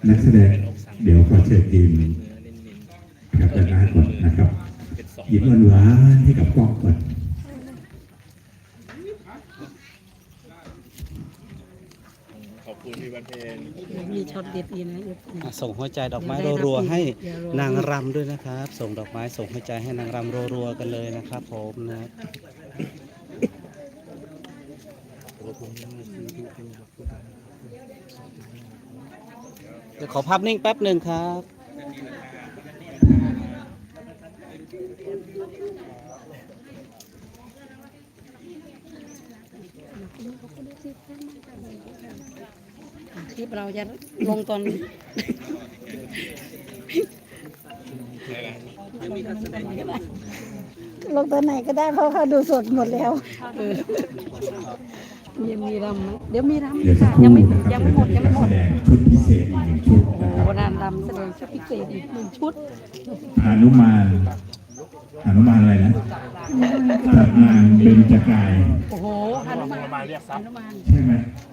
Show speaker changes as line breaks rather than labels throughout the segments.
นักแสดงเดี๋ยวขอเชิญทีมกับด้านหน้าก่อนนะครับยิ้มหวานๆให้กับกล้องก่อน
ขอบคุณพี่บันเพน
มีช็อตเด็ดอีกนะ
ส่งหัวใจดอกไม้รัวๆให้นางรำด้วยนะครับ ส่งดอกไม้ส่งหัวใจให้นางรำรัวๆกันเลยนะครับผมนะเดี๋ยวขอภาพนิ่งแป๊บหนึ่งครับ
คลิปเราจะลงตอน
ลงตัวไหนก็ได้เพราะเขาดูสดหมดแล้ว
มีรำไหมเดี๋ยวมีรำ
เดี๋ยวสัก
ค่ะ
ครู่
ยังไม่
นะครับ
ยังไม่หมดยังไม่หม
แส
ด
ดงชุดพิเศษอีกหนึ่งชุด
โอ้
นะครับ
โหนานรำแสดงชุดพิเศษอีกหนึ่งชุด
หนุมานอะไรนะพระนางเบญจกาย
โอ้โหฮนุมาน
มาเรียกซับ
ฮนุมาน
ใช่ไหม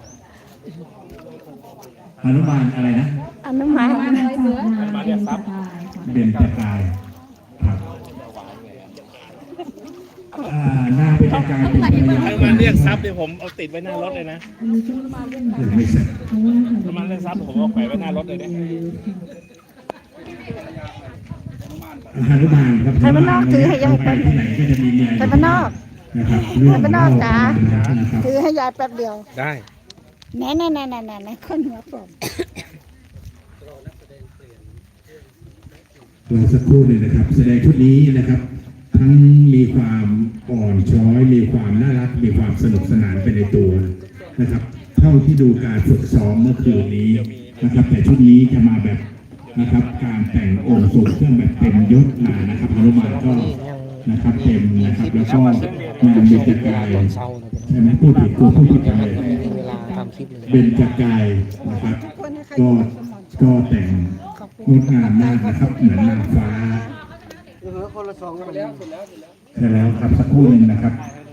หนุมานอะไรนะ
อนุมาน
อะไรเสือ
มาเรียกซับ
เบญจกายครับหน้าเบญจกายเป็นภรรยา
ถ้ามาเรียกซับเดี๋ยวผมเอาติดไว้หน้ารถเลยนะ
ยังไม่เสร็จ
ถ้ามาเรียกซับผมเอาแขวนไว้หน้ารถเลยนะ
หนุมานครับ
ไทยบ้านนอกถือให้ยายแป๊บ
ที่ไหนก็จะมีเมีย
ไทยบ้านนอก
นะครับ
ไทยบ้านนอกจ๋า
นะครับ
ถือให้ยายแป๊บเดียว
ได้
แน่คนหัวผม
รอสักครู่หนึ่งนะครับ แสดงชุดนี้นะครับ ทั้งมีความอ่อนช้อย มีความน่ารัก มีความสนุกสนานไปในตัวนะครับ เท่าที่ดูการฝึกซ้อมเมื่อคืนนี้นะครับ แต่ชุดนี้จะมาแบบนะครับ การแต่งองค์ทรงเครื่องแบบเต็มยศมานะครับฮนุมานก็นะครับเต็มนะครับ แล้วก็งานเบญจกายใช่ไหมพูดผิดพูดผิดไปเบญจกายนะครับก็แต่งงดงามมากนะครับ เหมือนนางฟ้าใช่แล้วครับสักครู่หนึ่งนะครับ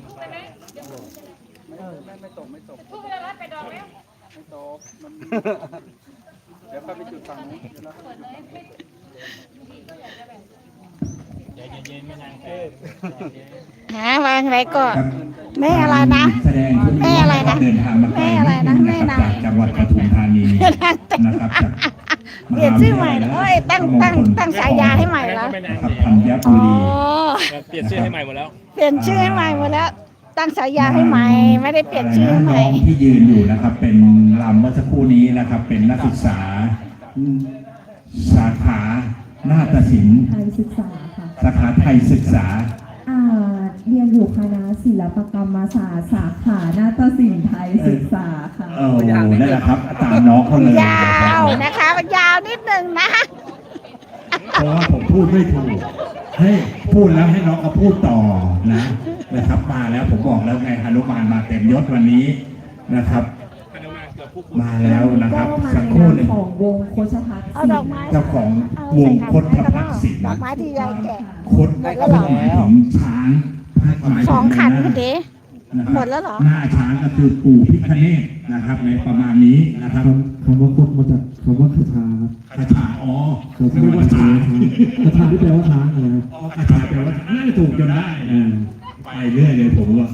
หาวางอะไรก็
ครับ
แม่อะไรนะ
แสดงชุด
แม่อะไรนะ
เดินทางมาไกล
แม่อะไรนะแม่
นะ
นา
ครับจากจังหวัดปทุมธานีนะครับจาก
เปลี่ยนชื่อใหม่เหรอเอ้ยตั้งฉายาให้ใหม่แล้ว
นะครับธัญ
อ๋
บุ
อ
รี
เปลี่ยนชื่อให้ใหม่หมดแล้ว
เปลี่ยนชื่อให้ใหม่หมดแล้ว ตั้งฉายาให้ใหม่ ไม่ได้เปลี่ยนชื่อให้ใหม่
น้องที่ยืนอยู่นะครับ เป็นลำเมื่อสักครู่นี้นะครับ เป็นนักศึกษา สาขานาฏศิลป์
ไทยศึกษาค่ะ
สาขาไทยศึกษา
เรียนอยู่คณะศิลปกรรมศาสตร์สาขานาฏศิลป์ไทยศึกษาค่ะ
นั่นแหละครับ ตามน้องเขาเลย
ยาวนะคะมันยาวนิดนึงนะ
เพราะว่าผมพูดไม่ถูกให้พูดแล้วให้น้องเขาพูดต่อนะครับมาแล้วผมบอกแล้วไงฮนุมานมาเต็มยศวันนี้นะครับ มาแล้วนะครับ
ก็มา
สัก
ใน
ครู่
นาม
หนึ่ง
ของวงโคชทัศน์
เอาดอกไม้
เจ้าของวงคดพักศิล
ดอก
ป์
ไม้ที่ยายแกะ
คดหมายถึงช้างหมายถึ
สองขัน
ะ
คุณเด๋
นะครับ
หมดแล้วเหรอ
หน้าช้างก็คือปู่พิฆเนศนะครับ ในประมาณนี้นะครับ
คำว่าคดมาจากคำว่าคาถา
คาถาอ๋อ
ครับ
ไม่ว่าช้าง
คาถาที่แปลว่าช้างนะครับ
อ๋อคาถาแปลว่าถูกจนได้ไปเรื่อยเลยผมว่า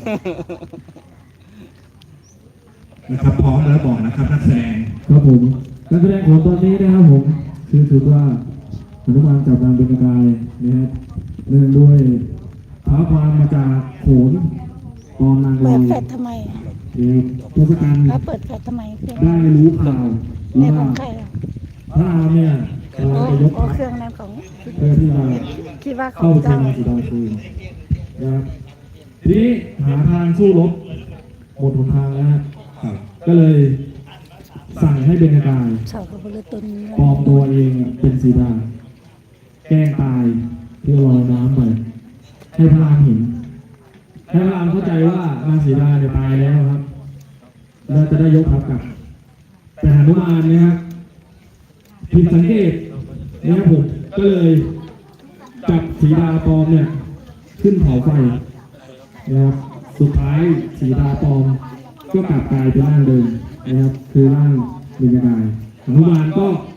นะครับพร้อมแล้วบอกนะครับนักแสดง
ครับผมการแสดงของตอนนี้นะครับผมคือถือว่าอนุมานจับนางเบญจกายนะครับเนื่องด้วยท้าความมาจากโขนตอนนาง
เปิ
ลี
ดแฟลชทำไม
ทศกัณฐ์
แล้วเปิดแฟลชทำไมเพื่อน
ได้รู้ข่าว
ใน
ว่า
ของใครอ่ะ
พระรามเนี่ยกำลังจะยก
โอ้
ทัพ
เครื่องนั้นของ
เพื่อที่จะ
คิดว่าขอ
เข้าง เชีย
เจ้า
งสีดาคืนนะครับทีนี้หาทางสู้รบหมดหนทางแล้วฮะก็เลยสั่งให้เบญจกาย
เสากับบุรุษตุน
ปลอมตัวเองเป็นสีดาแกล้งตายเพื่อลอยน้ำไปให้พระรามเห็นให้พระรามเข้าใจว่านางสีดาเนี่ยตายแล้วครับแล้วจะได้ยกทัพกลับ แต่หนุมานเนี่ยครับผิดสังเกตนะครับผมก็เลยจับสีดาปลอมเนี่ยขึ้นเผาไฟนะครับสุดท้ายสีดาปลอมก็กลับกลายเป็นร่างเดิมนะครับคือร่างเบญจกายหนุมานก็